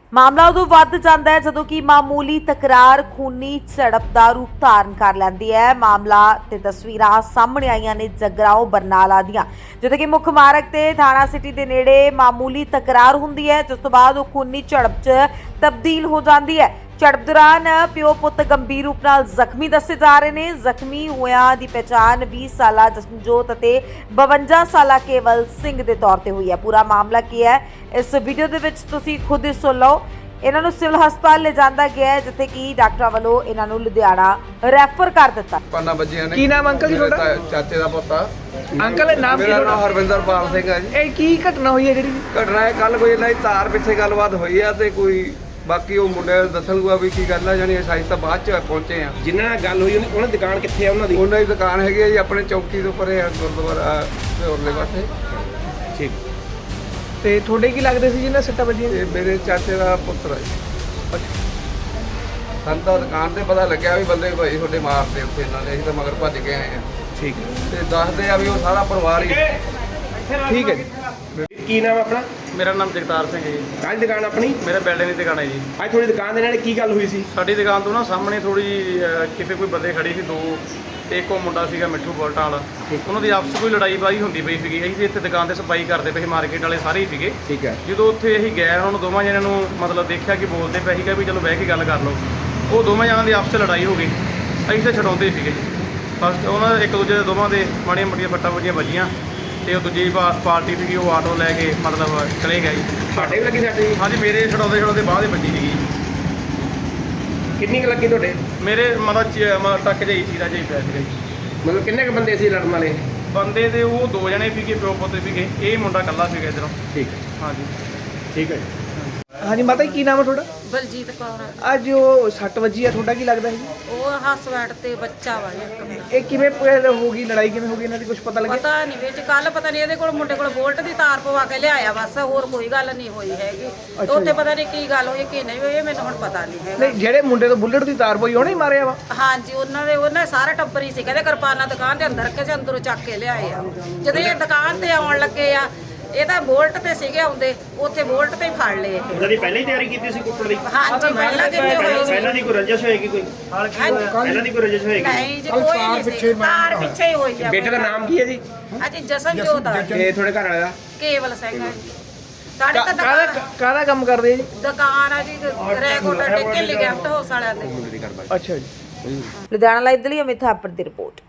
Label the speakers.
Speaker 1: ਮਾਮਲਾ ਉਦੋਂ ਵੱਧ ਜਾਂਦਾ ਹੈ ਜਦੋਂ ਕਿ ਮਾਮੂਲੀ ਤਕਰਾਰ ਖੂਨੀ ਝੜਪ ਦਾ ਰੂਪ ਧਾਰਨ ਕਰ ਲੈਂਦੀ ਹੈ। ਮਾਮਲਾ ਤੇ ਤਸਵੀਰਾਂ ਸਾਹਮਣੇ ਆਈਆਂ ਨੇ ਜਗਰਾਓਂ ਬਰਨਾਲਾ ਦੀਆਂ, ਜਿੱਥੇ ਕਿ ਮੁੱਖ ਮਾਰਗ ਤੇ ਥਾਣਾ ਸਿਟੀ ਦੇ ਨੇੜੇ ਮਾਮੂਲੀ ਤਕਰਾਰ ਹੁੰਦੀ ਹੈ, ਜਿਸ ਤੋਂ ਬਾਅਦ ਉਹ ਖੂਨੀ ਝੜਪ 'ਚ ਤਬਦੀਲ ਹੋ ਜਾਂਦੀ ਹੈ। ਝੜਪ ਦੌਰਾਨ ਪਿਓ ਪੁੱਤ ਗੰਭੀਰ ਰੂਪ ਨਾਲ ਜ਼ਖਮੀ ਦੱਸੇ ਜਾ ਰਹੇ ਨੇ। ਜ਼ਖਮੀ ਹੋਇਆਂ ਦੀ ਪਛਾਣ 20 ਸਾਲਾ ਜਸਨਜੋਤ ਅਤੇ 52 ਸਾਲਾ ਕੇਵਲ ਸਿੰਘ ਦੇ ਤੌਰ ਤੇ ਹੋਈ ਹੈ। ਪੂਰਾ ਮਾਮਲਾ ਕੀ ਹੈ ਇਸ ਵੀਡੀਓ ਦੇ ਵਿੱਚ ਤੁਸੀਂ ਖੁਦ ਹੀ ਸੁਣ ਲਓ। ਇਹਨਾਂ ਨੂੰ ਸਿਵਲ ਹਸਪਤਾਲ ਲੈ ਜਾਂਦਾ ਗਿਆ ਹੈ, ਜਿੱਥੇ ਕਿ ਡਾਕਟਰਾਂ ਵੱਲੋਂ ਇਹਨਾਂ ਨੂੰ ਲੁਧਿਆਣਾ ਰੈਫਰ ਕਰ ਦਿੱਤਾ।
Speaker 2: ਪਾਨਾ ਬੱਜੀਆਂ ਨੇ।
Speaker 3: ਕੀ ਨਾਮ ਅੰਕਲ ਜੀ ਤੁਹਾਡਾ?
Speaker 2: ਚਾਚੇ ਦਾ ਪੁੱਤ ਆ।
Speaker 3: ਅੰਕਲ ਨਾਮ ਕੀ
Speaker 2: ਮੇਰਾ ਨਾਮ
Speaker 3: ਤੁਹਾਡਾ?
Speaker 2: ਹਰਵਿੰਦਰਪਾਲ ਸਿੰਘ ਹੈ ਜੀ।
Speaker 3: ਇਹ ਕੀ ਘਟਨਾ ਹੋਈ ਹੈ ਜਿਹੜੀ?
Speaker 2: ਘਟਨਾ ਹੈ ਕੱਲ ਕੋਈ ਇਹਨਾਂ ਦੀ ਤਾਰ ਪਿੱਛੇ ਗੱਲਬਾਤ ਹੋਈ ਆ ਤੇ ਕੋਈ ਬਾਕੀ ਉਹ ਮੁੰਡੇ ਦੱਸਣਗਾ ਵੀ ਕੀ ਗੱਲ ਆ, ਜਾਨੀ ਅਸੀਂ ਤਾਂ ਬਾਅਦ ਚ ਪਹੁੰਚੇ ਆ।
Speaker 4: ਜਿਨ੍ਹਾਂ ਨਾਲ ਗੱਲ ਹੋਈ ਉਹਨਾਂ ਦੀ ਦੁਕਾਨ ਕਿੱਥੇ ਆ ਉਹਨਾਂ ਦੀ?
Speaker 2: ਉਹਨਾਂ ਦੀ ਦੁਕਾਨ ਹੈਗੀ ਆ ਜੀ ਆਪਣੇ ਚੌਕੀ ਦੇ ਉੱਪਰ ਆ, ਗੁਰਦੁਆਰਾ ਦੇ ਉਰਲੇ ਪਾਸੇ।
Speaker 4: ਠੀਕ।
Speaker 3: ਤੇ ਤੁਹਾਡੇ ਕੀ ਲੱਗਦੇ ਸੀ ਜਿਹਨਾਂ ਸੱਟਾਂ ਵੱਜੀਆਂ?
Speaker 2: ਇਹ ਮੇਰੇ ਚਾਚੇ ਦਾ ਪੁੱਤਰ ਹੈ ਜੀ। ਸਾਨੂੰ ਤਾਂ ਦੁਕਾਨ ਤੇ ਪਤਾ ਲੱਗਿਆ ਵੀ ਬੰਦੇ ਭਾਈ ਤੁਹਾਡੇ ਮਾਰਦੇ ਉੱਥੇ ਇਹਨਾਂ ਨੇ, ਅਸੀਂ ਤਾਂ ਮਗਰ ਭੱਜ ਕੇ ਆਏ ਆ।
Speaker 4: ਠੀਕ ਹੈ।
Speaker 2: ਤੇ ਦੱਸਦੇ ਆ ਵੀ ਉਹ ਸਾਰਾ ਪਰਿਵਾਰ ਹੀ।
Speaker 3: ਠੀਕ ਹੈ ਜੀ।
Speaker 4: ਕੀ ਨਾਮ ਆਪਣਾ?
Speaker 5: ਮੇਰਾ ਨਾਮ ਜਗਤਾਰ ਸਿੰਘ ਹੈ ਜੀ।
Speaker 4: ਕਾਹਦੀ ਦੁਕਾਨ ਆਪਣੀ?
Speaker 5: ਮੇਰਾ ਬਿਲਡਿੰਗ ਦੀ ਦੁਕਾਨ ਹੈ ਜੀ।
Speaker 4: ਅੱਜ ਤੁਹਾਡੀ ਦੁਕਾਨ ਦੇ ਨਾਲ ਕੀ ਗੱਲ ਹੋਈ ਸੀ?
Speaker 5: ਸਾਡੀ ਦੁਕਾਨ ਤੋਂ ਨਾ ਸਾਹਮਣੇ ਥੋੜੀ ਕਿਸੇ ਕੋਈ ਬੰਦੇ ਖੜੇ ਸੀ ਦੋ, ਤੇ ਇੱਕ ਉਹ ਮੁੰਡਾ ਸੀਗਾ ਮਿੱਠੂ ਬੋਲਟਾਂ ਵਾਲਾ। ਉਹਨਾਂ ਦੀ ਆਪਸ 'ਚ ਕੋਈ ਲੜਾਈ ਬਾਈ ਹੁੰਦੀ ਪਈ ਸੀਗੀ। ਅਸੀਂ ਇੱਥੇ ਦੁਕਾਨ ਤੇ ਸਫਾਈ ਕਰਦੇ ਪਏ ਸੀ, ਮਾਰਕੀਟ ਵਾਲੇ ਸਾਰੇ ਹੀ ਸੀਗੇ।
Speaker 4: ਠੀਕ ਹੈ।
Speaker 5: ਜਦੋਂ ਉੱਥੇ ਅਸੀਂ ਗਏ ਉਹਨਾਂ ਨੂੰ ਦੋਵਾਂ ਜਣਿਆਂ ਨੂੰ ਮਤਲਬ ਦੇਖਿਆ ਕਿ ਬੋਲਦੇ ਪਏ ਸੀਗਾ ਵੀ ਚਲੋ ਬਹਿ ਕੇ ਗੱਲ ਕਰ ਲਓ। ਉਹ ਦੋਵਾਂ ਜਣਿਆਂ ਦੀ ਆਪਸ 'ਚ ਲੜਾਈ ਹੋ ਗਈ। ਅਸੀਂ ਤਾਂ ਛਡਾਉਂਦੇ ਸੀਗੇ ਫਸਟ ਉਹਨਾਂ ਦੇ ਇੱਕ ਦੂਜੇ ਦੇ ਦੋਵਾਂ ਦੇ ਮਾੜੀਆਂ ਮੋਟੀਆਂ ਫੱਟਾਂ ਵੱਜੀਆਂ ਵੱਜੀਆਂ, ਤੇ ਉਹ ਦੂਜੀ ਪਾਰਟੀ ਸੀਗੀ ਉਹ ਆਟੋ ਲੈ ਕੇ ਮਤਲਬ ਚਲੇ ਗਿਆ ਜੀ।
Speaker 4: ਤੁਹਾਡੇ ਵੀ ਲੱਗੀ ਸੱਟ ਜੀ?
Speaker 5: ਹਾਂਜੀ ਮੇਰੇ ਛਡਾਉਂਦੇ ਬਾਅਦ ਹੀ ਵੱਜੀ ਸੀਗੀ।
Speaker 4: ਕਿੰਨੀ ਕੁ ਲੱਗੀ ਤੁਹਾਡੇ?
Speaker 5: ਮੇਰੇ ਮਤਲਬ ਟੱਕ ਜਾਈ ਸੀ ਰਾਜੇ ਪਿਆ ਸੀਗਾ ਜੀ।
Speaker 4: ਮਤਲਬ ਕਿੰਨੇ ਕੁ ਬੰਦੇ ਸੀ ਲੜਨ ਵਾਲੇ?
Speaker 5: ਬੰਦੇ ਦੇ ਉਹ ਦੋ ਜਣੇ ਸੀਗੇ, ਪਿਓ ਪੁੱਤ ਸੀਗੇ। ਇਹ ਮੁੰਡਾ ਇਕੱਲਾ ਸੀਗਾ ਇੱਧਰੋਂ।
Speaker 4: ਠੀਕ ਹੈ।
Speaker 5: ਹਾਂਜੀ
Speaker 4: ਠੀਕ ਹੈ।
Speaker 3: ਹਾਂਜੀ ਮਾਤਾ ਜੀ ਕੀ ਨਾਮ ਹੈ ਤੁਹਾਡਾ?
Speaker 6: ਬਲਜੀਤ ਕੌਰ।
Speaker 3: ਅੱਜ ਉਹ ਸੱਟ ਵੱਜੀ ਆ, ਤੁਹਾਡਾ ਕੀ ਲੱਗਦਾ ਹੈ?
Speaker 6: ਉਹ ਹਸਬੈਂਡ ਤੇ ਬੱਚਾ ਵਾ ਇੱਕ ਮੇਰਾ।
Speaker 3: ਇਹ ਕਿਵੇਂ ਹੋ ਗਈ ਲੜਾਈ, ਕਿਵੇਂ ਹੋ ਗਈ ਇਹਨਾਂ ਦੀ, ਕੁਝ ਪਤਾ ਲੱਗਿਆ?
Speaker 6: ਪਤਾ ਨਹੀਂ ਵਿੱਚ ਕੱਲ ਪਤਾ ਨਹੀਂ ਇਹਦੇ ਕੋਲ ਮੁੰਡੇ ਕੋਲ ਬੋਲਟ ਦੀ ਤਾਰ ਪਵਾ ਕੇ ਲਿਆਇਆ, ਬਸ ਹੋਰ ਕੋਈ ਗੱਲ ਨਹੀਂ ਹੋਈ ਹੈਗੀ। ਤੇ ਉੱਥੇ ਪਤਾ ਨਹੀਂ ਕੀ ਗੱਲ ਹੋਈ ਕੀ ਨਹੀਂ ਹੋਈ, ਇਹ ਮੈਨੂੰ ਹੁਣ ਪਤਾ ਨਹੀਂ ਹੈਗਾ।
Speaker 3: ਨਹੀਂ ਜਿਹੜੇ ਮੁੰਡੇ ਤੋਂ ਬੁੱਲਟ ਦੀ ਤਾਰ ਪਈ ਉਹਨੇ ਹੀ ਮਾਰਿਆ ਵਾ?
Speaker 6: ਹਾਂਜੀ ਉਹਨਾਂ ਸਾਰਾ ਟੱਬਰ ਹੀ ਸੀ। ਕਹਿੰਦੇ ਕਿਰਪਾਨਾਂ ਦੁਕਾਨ ਦੇ ਅੰਦਰ ਰੱਖੇ ਸੀ, ਅੰਦਰੋਂ ਚੱਕ ਕੇ ਲਿਆਏ ਆ। ਜਦੋਂ ਇਹ ਦੁਕਾਨ ਤੇ ਆਉਣ ਲੱਗੇ ਆ, ਇਹ ਤਾਂ ਬੋਲਟ ਤੇ ਸੀਗੇ ਆਉਂਦੇ, ਉੱਥੇ ਬੋਲਟ ਤੇ ਹੀ ਫੜ ਲਏ ਇਹ।
Speaker 4: ਉਹਨਾਂ ਦੀ ਪਹਿਲਾਂ ਹੀ ਤਿਆਰੀ ਕੀਤੀ ਸੀ ਕੁੱਟਣ ਦੀ?
Speaker 6: ਹਾਂਜੀ ਪਹਿਲਾਂ ਕਿੰਨੇ ਹੋਏ ਸੀ।
Speaker 4: ਪਹਿਲਾਂ ਦੀ ਕੋਈ ਰੰਜਿਸ਼ ਹੋਏਗੀ ਕੋਈ? ਪਹਿਲਾਂ ਦੀ ਕੋਈ ਰੰਜਿਸ਼ ਹੋਏਗੀ?
Speaker 6: ਨਹੀਂ ਜੀ ਕੋਈ ਨਹੀਂ ਸੀ, ਤਾਰ ਪਿੱਛੇ ਹੀ ਹੋਈ ਆ।
Speaker 4: ਬੇਟੇ ਦਾ ਨਾਮ ਕੀ ਹੈ ਜੀ?
Speaker 6: ਹਾਂਜੀ ਜਸਨਜੋਤ ਆ।
Speaker 4: ਇਹ ਤੁਹਾਡੇ ਘਰ ਵਾਲੇ ਦਾ?
Speaker 6: ਕੇਵਲ ਸਿੰਘ ਹੈ ਜੀ। ਸਾਡੇ ਤਾਂ ਦੁਕਾਨ
Speaker 3: ਕਾਹਦਾ ਕੰਮ ਕਰਦੇ ਜੀ?
Speaker 6: ਦੁਕਾਨ ਆ ਜੀ ਰੈਗੂਲਰ ਟਿੱਕੇ ਲਿਗੈਂਟ ਹਾਊਸ ਵਾਲਿਆਂ ਦੇ।
Speaker 3: ਅੱਛਾ ਜੀ।
Speaker 1: ਲੁਧਿਆਣਾ ਲਾਈਵ ਦੇ ਲਈ ਅਮਿਤ ਥਾਪੜ ਦੀ ਰਿਪੋਰਟ।